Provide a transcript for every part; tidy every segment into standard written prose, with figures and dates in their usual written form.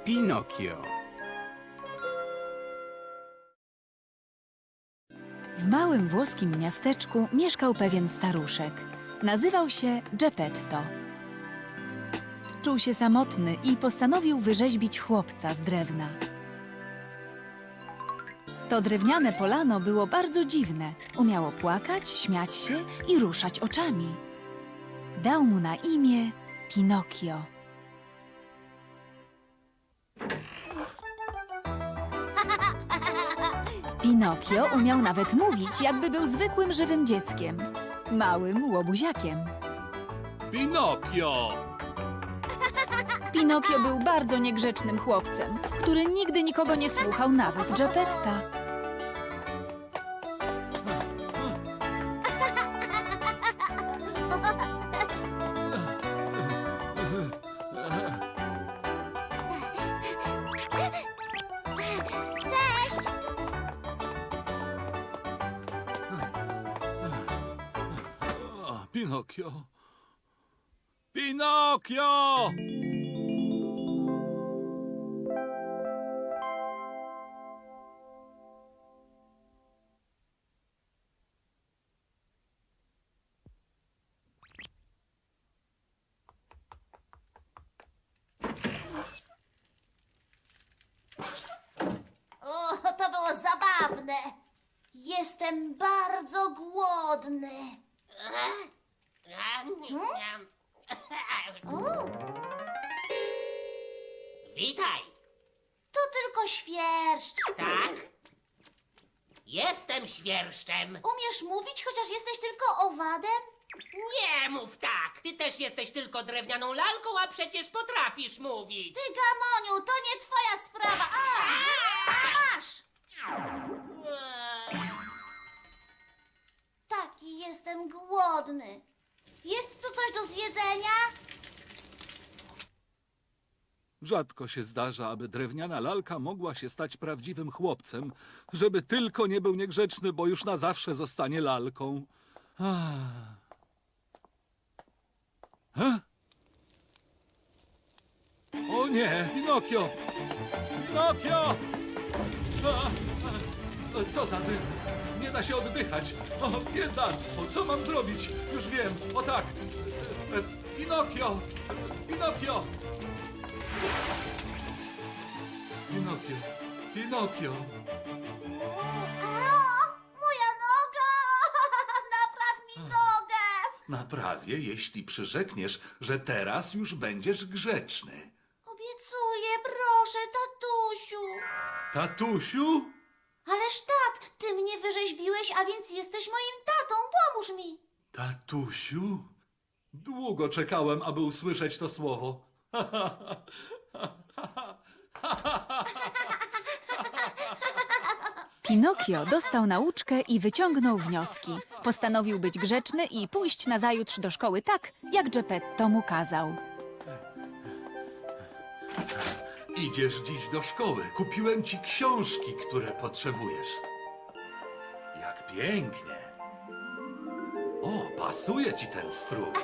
Pinokio. W małym włoskim miasteczku mieszkał pewien staruszek. Nazywał się Geppetto. Czuł się samotny i postanowił wyrzeźbić chłopca z drewna. To drewniane polano było bardzo dziwne. Umiało płakać, śmiać się i ruszać oczami. Dał mu na imię Pinokio. Pinokio umiał nawet mówić, jakby był zwykłym żywym dzieckiem. Małym łobuziakiem. Pinokio! Pinokio był bardzo niegrzecznym chłopcem, który nigdy nikogo nie słuchał, nawet Geppetta. Cześć! Pinokio! Pinokio! O, to było zabawne. Jestem bardzo głodny. O, Witaj! to tylko świerszcz. Tak? Jestem świerszczem. Umiesz mówić, chociaż jesteś tylko owadem? Nie mów tak! Ty też jesteś tylko drewnianą lalką, a przecież potrafisz mówić. Ty, Gamoniu, to nie twoja sprawa. A masz! Taki jestem głodny. Jest tu coś do zjedzenia? Rzadko się zdarza, aby drewniana lalka mogła się stać prawdziwym chłopcem, żeby tylko nie był niegrzeczny, bo już na zawsze zostanie lalką. O nie, Pinokio! Pinokio! Co za dym! Nie da się oddychać! O, biedactwo! Co mam zrobić? Już wiem! O tak! Pinokio! Pinokio! Pinokio! Pinokio! Moja noga! Napraw mi nogę! Naprawię, jeśli przyrzekniesz, że teraz już będziesz grzeczny. Obiecuję, proszę, tatusiu. Tatusiu? Ależ tak, ty mnie wyrzeźbiłeś, a więc jesteś moim tatą. Pomóż mi. Tatusiu? Długo czekałem, aby usłyszeć to słowo. Pinokio dostał nauczkę i wyciągnął wnioski. Postanowił być grzeczny i pójść nazajutrz do szkoły tak, jak Geppetto mu kazał. Idziesz dziś do szkoły. Kupiłem ci książki, które potrzebujesz. Jak pięknie. O, pasuje ci ten strój.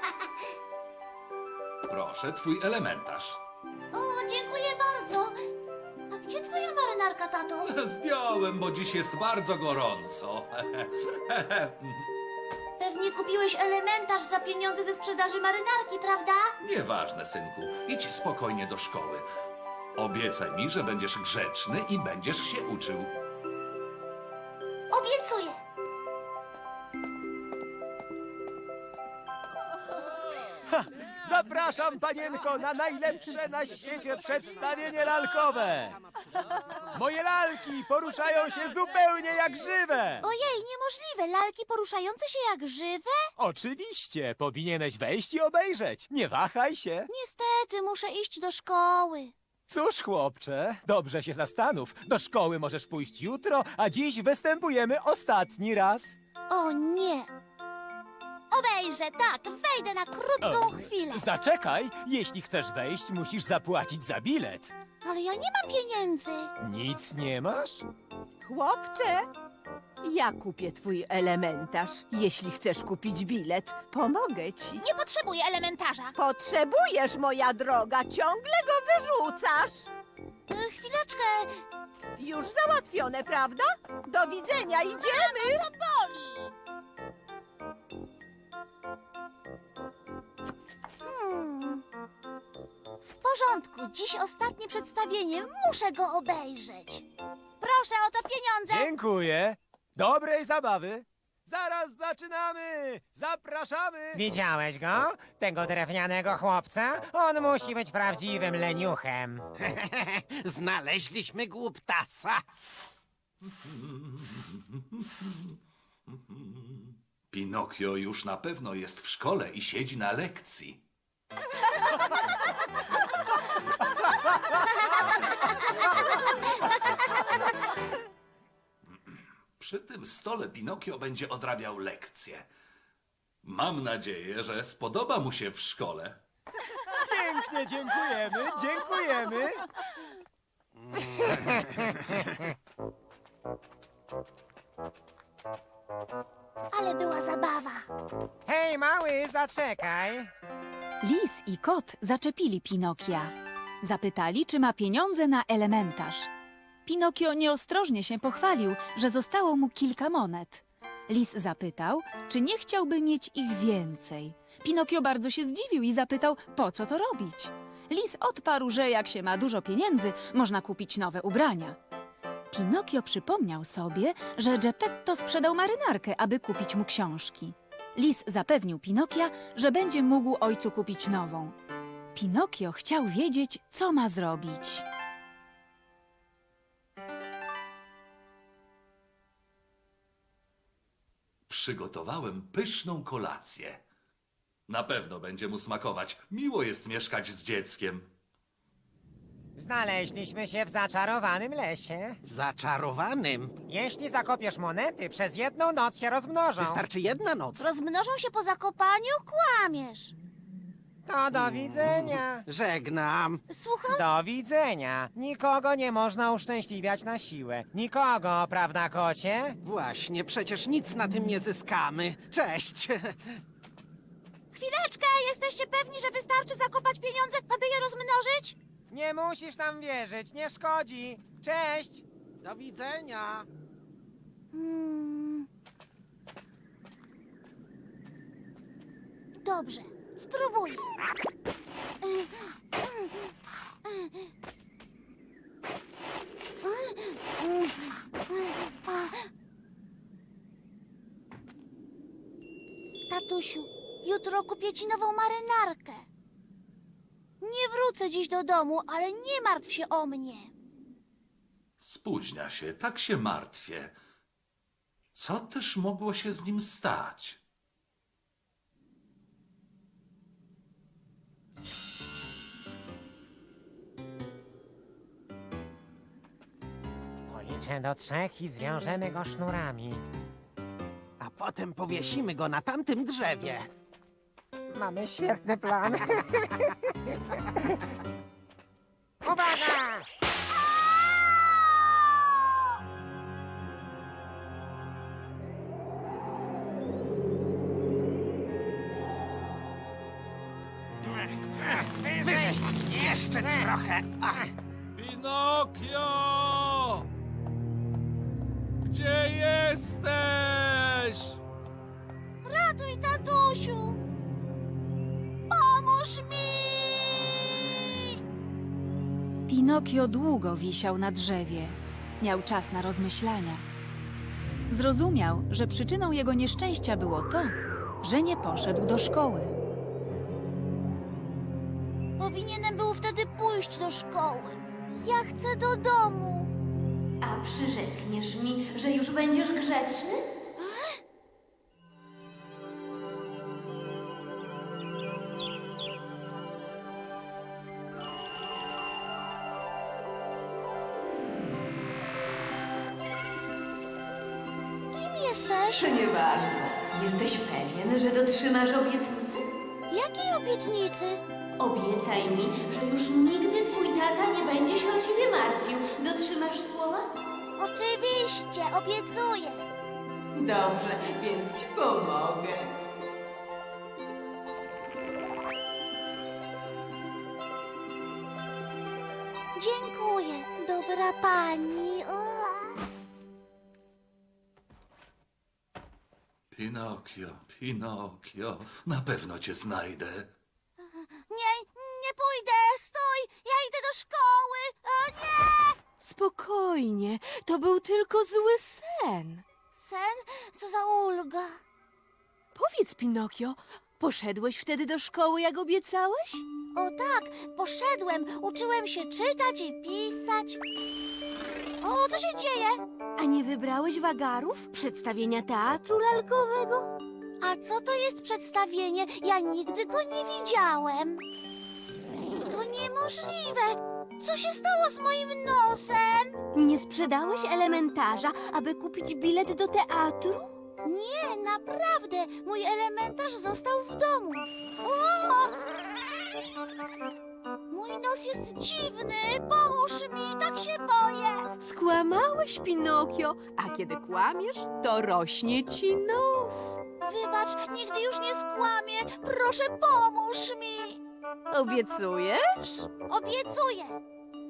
Proszę, twój elementarz. O, dziękuję bardzo. A gdzie twoja marynarka, tato? Zdjąłem, bo dziś jest bardzo gorąco. Pewnie kupiłeś elementarz za pieniądze ze sprzedaży marynarki, prawda? Nieważne, synku. Idź spokojnie do szkoły. Obiecaj mi, że będziesz grzeczny i będziesz się uczył. Obiecuję. Zapraszam, panienko, na najlepsze na świecie przedstawienie lalkowe. Moje lalki poruszają się zupełnie jak żywe. Ojej, niemożliwe. Lalki poruszające się jak żywe? Oczywiście, powinieneś wejść i obejrzeć. Nie wahaj się. Niestety, muszę iść do szkoły. Cóż, chłopcze, dobrze się zastanów. Do szkoły możesz pójść jutro, a dziś występujemy ostatni raz. O nie. Obejrzę, tak, wejdę na krótką chwilę. Zaczekaj, jeśli chcesz wejść, musisz zapłacić za bilet. Ale ja nie mam pieniędzy. Nic nie masz? Chłopcze, Ja kupię twój elementarz. Jeśli chcesz kupić bilet, pomogę ci. Nie potrzebuję elementarza. Potrzebujesz, moja droga, ciągle go wyrzucasz. Chwileczkę. Już załatwione, prawda? Do widzenia, idziemy! To boli. W porządku. Dziś ostatnie przedstawienie. Muszę go obejrzeć. Proszę o to pieniądze. Dziękuję. Dobrej zabawy. Zaraz zaczynamy. Zapraszamy. Widziałeś go? Tego drewnianego chłopca? On musi być prawdziwym leniuchem. Znaleźliśmy głuptasa. Pinokio już na pewno jest w szkole i siedzi na lekcji. Przy tym stole Pinokio będzie odrabiał lekcje. Mam nadzieję, że spodoba mu się w szkole. Pięknie, dziękujemy, dziękujemy. Ale była zabawa. Hej, mały, zaczekaj. Lis i kot zaczepili Pinokia. Zapytali, czy ma pieniądze na elementarz. Pinokio nieostrożnie się pochwalił, że zostało mu kilka monet. Lis zapytał, czy nie chciałby mieć ich więcej. Pinokio bardzo się zdziwił i zapytał, po co to robić. Lis odparł, że jak się ma dużo pieniędzy, można kupić nowe ubrania. Pinokio przypomniał sobie, że Geppetto sprzedał marynarkę, aby kupić mu książki. Lis zapewnił Pinokia, że będzie mógł ojcu kupić nową. Pinokio chciał wiedzieć, co ma zrobić. Przygotowałem pyszną kolację. Na pewno będzie mu smakować. Miło jest mieszkać z dzieckiem. Znaleźliśmy się w zaczarowanym lesie. Zaczarowanym. Jeśli zakopiesz monety, przez jedną noc się rozmnożą. Wystarczy jedna noc. Rozmnożą się po zakopaniu? Kłamiesz. To do widzenia. Żegnam. Słucham? Do widzenia. Nikogo nie można uszczęśliwiać na siłę. Nikogo, prawda, kocie? Właśnie, przecież nic na tym nie zyskamy. Cześć. Chwileczkę. Jesteście pewni, że wystarczy zakopać pieniądze, aby je rozmnożyć? Nie musisz nam wierzyć, nie szkodzi. Cześć! Do widzenia. Dobrze. Spróbuję. Tatusiu, jutro kupię ci nową marynarkę. Nie wrócę dziś do domu, ale nie martw się o mnie. Spóźnia się, tak się martwię. Co też mogło się z nim stać? Policzę do 3 i zwiążemy go sznurami. A potem powiesimy go na tamtym drzewie. Mamy świetny plan. Uwaga! Wyżej! Jeszcze trochę. Ach. Pinokio! Gdzie jesteś? Ratuj, tatusiu! Pomóż mi! Pinokio długo wisiał na drzewie. Miał czas na rozmyślania. Zrozumiał, że przyczyną jego nieszczęścia było to, że nie poszedł do szkoły. Powinienem był wtedy pójść do szkoły. Ja chcę do domu. A przyrzekniesz mi, że już będziesz grzeczny? Kim jesteś? To nieważne. Jesteś pewien, że dotrzymasz obietnicy? Jakiej obietnicy? Obiecaj mi, że już nigdy twój tata nie będzie się o ciebie martwił. Dotrzymasz słowa? Oczywiście, obiecuję. Dobrze, więc ci pomogę. Dziękuję, dobra pani. Pinokio, na pewno cię znajdę. Nie pójdę, stój! Ja idę do szkoły! O nie! Spokojnie, to był tylko zły sen. Sen? Co za ulga. Powiedz, Pinokio, poszedłeś wtedy do szkoły, jak obiecałeś? O tak, poszedłem, uczyłem się czytać i pisać. O, co się dzieje? A nie wybrałeś wagarów? Przedstawienia teatru lalkowego? A co to jest przedstawienie? Ja nigdy go nie widziałem. To niemożliwe. Co się stało z moim nosem? Nie sprzedałeś elementarza, aby kupić bilet do teatru? Nie, naprawdę. Mój elementarz został w domu. O! Mój nos jest dziwny. Pomóż mi, tak się boję. Skłamałeś, Pinokio, a kiedy kłamiesz, to rośnie ci nos. Wybacz, nigdy już nie skłamię. Proszę, pomóż mi. Obiecujesz? Obiecuję.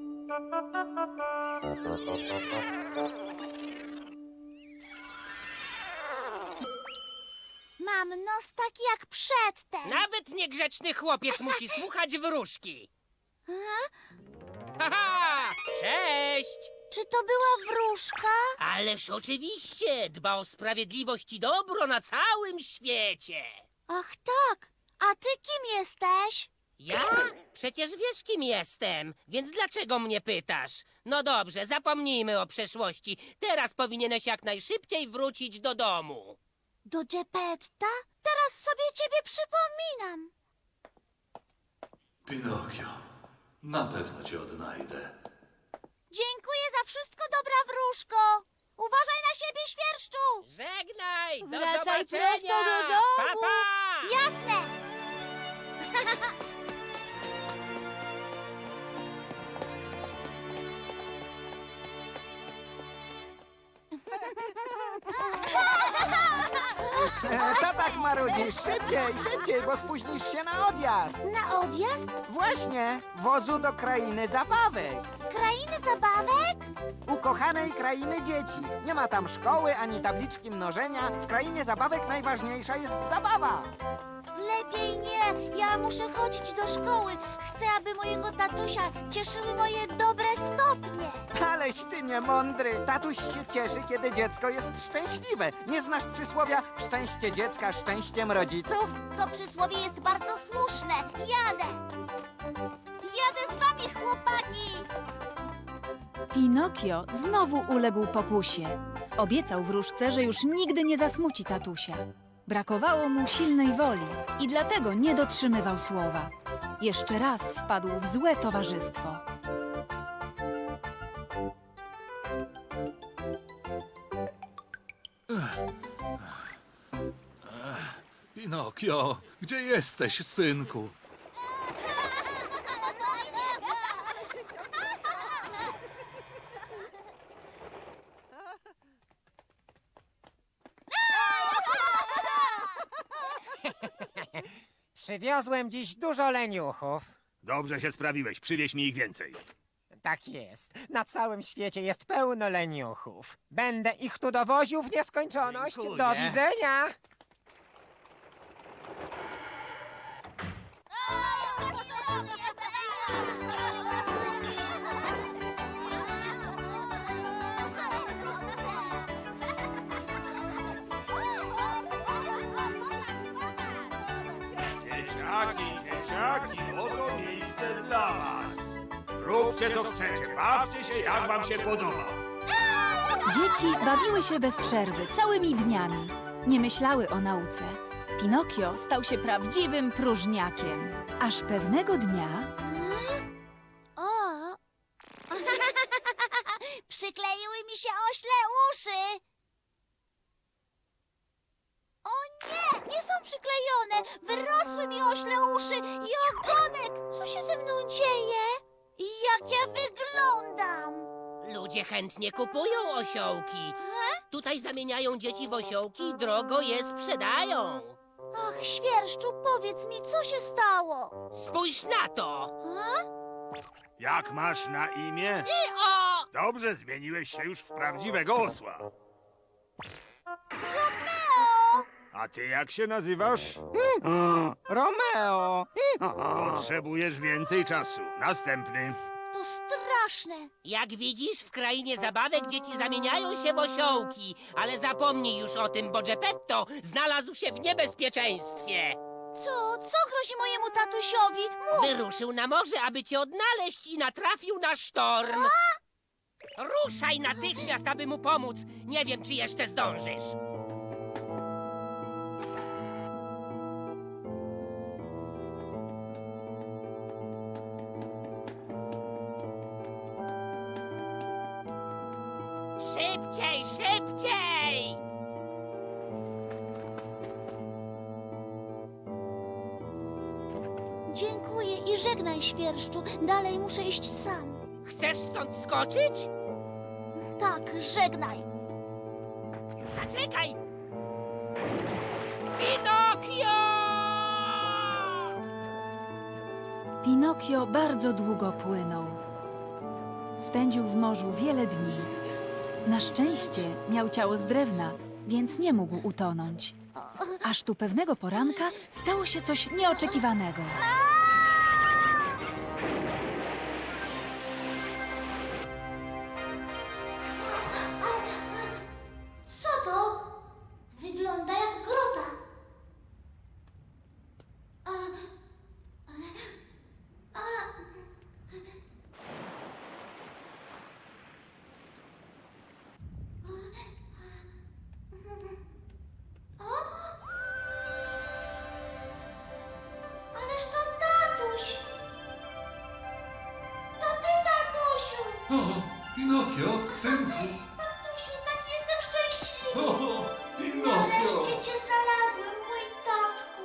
Mam nos taki jak przedtem. Nawet niegrzeczny chłopiec musi słuchać wróżki. Haha! Cześć! Czy to była wróżka? Ależ oczywiście, dba o sprawiedliwość i dobro na całym świecie. Ach tak. A ty kim jesteś? Ja? Przecież wiesz, kim jestem, więc dlaczego mnie pytasz? No dobrze, zapomnijmy o przeszłości. Teraz powinieneś jak najszybciej wrócić do domu. Do Geppetta? Teraz sobie ciebie przypominam. Pinokio, na pewno cię odnajdę. Dziękuję za wszystko, dobra wróżko. Uważaj na siebie, świerszczu. Żegnaj! Do Wracaj zobaczenia! prosto do domu. Pa, pa! Jasne. Co tak marudzisz? Szybciej, szybciej, bo spóźnisz się na odjazd. Na odjazd? Właśnie, wozu do krainy zabawek. Krainy zabawek? Ukochanej krainy dzieci. Nie ma tam szkoły ani tabliczki mnożenia. W krainie zabawek najważniejsza jest zabawa. Lepiej nie. Ja muszę chodzić do szkoły. Chcę, aby mojego tatusia cieszyły moje dobre stopnie. Aleś ty niemądry. Tatuś się cieszy, kiedy dziecko jest szczęśliwe. Nie znasz przysłowia szczęście dziecka szczęściem rodziców? To przysłowie jest bardzo słuszne. Jadę. Jadę z wami, chłopaki. Pinokio znowu uległ pokusie. Obiecał wróżce, że już nigdy nie zasmuci tatusia. Brakowało mu silnej woli i dlatego nie dotrzymywał słowa. Jeszcze raz wpadł w złe towarzystwo. Pinokio, gdzie jesteś, synku? Przywiozłem dziś dużo leniuchów. Dobrze się sprawiłeś, przywieź mi ich więcej. Tak jest. Na całym świecie jest pełno leniuchów. Będę ich tu dowoził w nieskończoność. Dziękuję. Do widzenia. Dzieciaki, oto miejsce dla was. Róbcie co chcecie, bawcie się jak wam się podoba. Dzieci bawiły się bez przerwy, całymi dniami. Nie myślały o nauce. Pinokio stał się prawdziwym próżniakiem. Aż pewnego dnia O! Przykleiły mi się ośle uszy. O nie! Nie są przyklejone! Wyrosły mi ośle uszy i ogonek! Co się ze mną dzieje? I jak ja wyglądam? Ludzie chętnie kupują osiołki. E? Tutaj zamieniają dzieci w osiołki i drogo je sprzedają. Ach, Świerszczu, powiedz mi, co się stało? Spójrz na to! Jak masz na imię? O! Dobrze, zmieniłeś się już w prawdziwego osła. Romeo! A ty jak się nazywasz? Romeo! Potrzebujesz więcej czasu. Następny. To straszne. Jak widzisz, w krainie zabawek dzieci zamieniają się w osiołki. Ale zapomnij już o tym, bo Geppetto znalazł się w niebezpieczeństwie. Co grozi mojemu tatusiowi? Mów! Wyruszył na morze, aby cię odnaleźć i natrafił na sztorm. Ruszaj natychmiast, aby mu pomóc. Nie wiem, czy jeszcze zdążysz. Szybciej, szybciej! Dziękuję i żegnaj, Świerszczu. Dalej muszę iść sam. Chcesz stąd skoczyć? Tak, żegnaj. Zaczekaj! Pinokio! Pinokio bardzo długo płynął. Spędził w morzu wiele dni. Na szczęście miał ciało z drewna, więc nie mógł utonąć. Aż tu pewnego poranka stało się coś nieoczekiwanego. Co to? Wygląda jak grota. Ależ to tatuś! To ty, tatusiu! O, Pinokio, synku. Tatusiu, tak jestem szczęśliwy! O, Pinokio. Nareszcie cię znalazłem, mój tatku!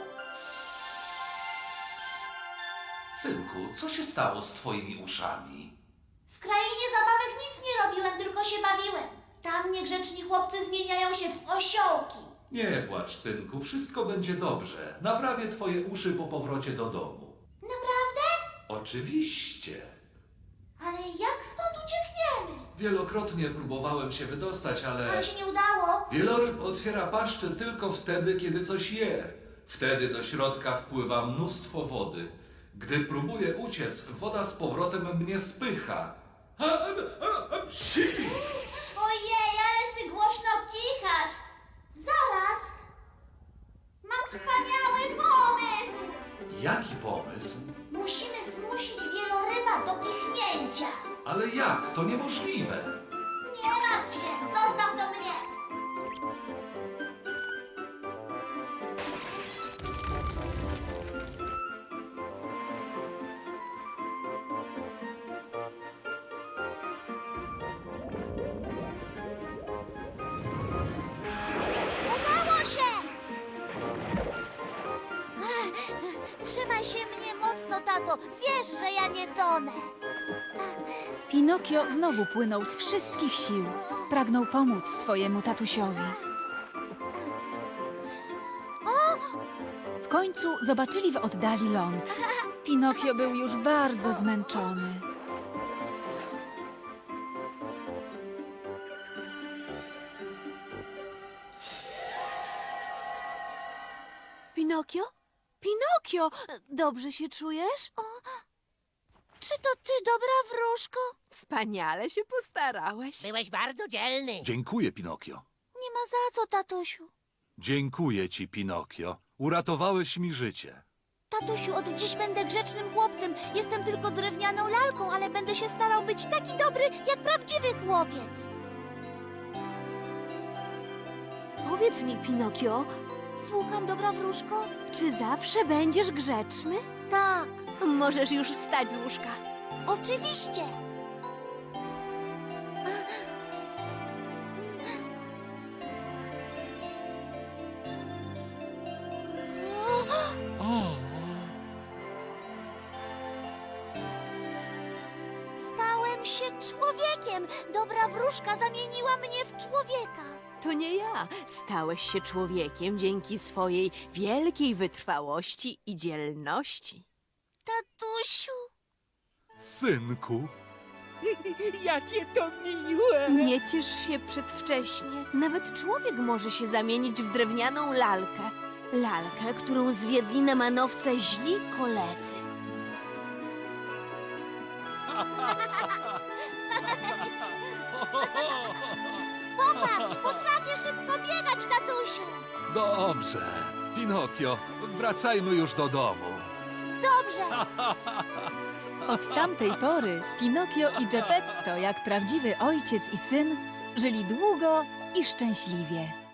Synku, co się stało z twoimi uszami? W krainie zabawek nic nie robiłem, tylko się bawiłem. Tam niegrzeczni chłopcy zmieniają się w osiołki. Nie płacz, synku, wszystko będzie dobrze. Naprawię twoje uszy po powrocie do domu. Naprawdę? Oczywiście. Ale jak stąd uciekniemy? Wielokrotnie próbowałem się wydostać, Ale się nie udało. Wieloryb otwiera paszczę tylko wtedy, kiedy coś je. Wtedy do środka wpływa mnóstwo wody. Gdy próbuję uciec, woda z powrotem mnie spycha. Psi! Ojej, ależ ty głośno kichasz. Zaraz. Mam wspaniały pomysł. Jaki pomysł? Musimy zmusić wieloryba do kichnięcia. Ale jak? To niemożliwe. Nie martw się, zostaw to mnie. Udało się! Trzymaj się mnie mocno, tato. Wiesz, że ja nie tonę. Pinokio znowu płynął z wszystkich sił. Pragnął pomóc swojemu tatusiowi. W końcu zobaczyli w oddali ląd. Pinokio był już bardzo zmęczony. Pinokio? Pinokio! Dobrze się czujesz? Czy to ty, dobra wróżko? Wspaniale się postarałeś. Byłeś bardzo dzielny. Dziękuję, Pinokio. Nie ma za co, tatusiu. Dziękuję ci, Pinokio. Uratowałeś mi życie. Tatusiu, od dziś będę grzecznym chłopcem. Jestem tylko drewnianą lalką, ale będę się starał być taki dobry, jak prawdziwy chłopiec. Powiedz mi, Pinokio, Słucham, dobra wróżko? czy zawsze będziesz grzeczny? Tak, Możesz już wstać z łóżka. oczywiście. Stałem się człowiekiem. Dobra wróżka zamieniła mnie w człowieka. to nie ja. Stałeś się człowiekiem dzięki swojej wielkiej wytrwałości i dzielności. Tatusiu, Synku, Jakie to miłe! Nie ciesz się przedwcześnie. Nawet człowiek może się zamienić w drewnianą lalkę. Lalkę, którą zwiedli na manowce źli koledzy. popatrz, potrafię szybko biegać, tatusiu. dobrze. Pinokio, wracajmy już do domu. Dobrze. Od tamtej pory Pinokio i Geppetto, jak prawdziwy ojciec i syn, żyli długo i szczęśliwie.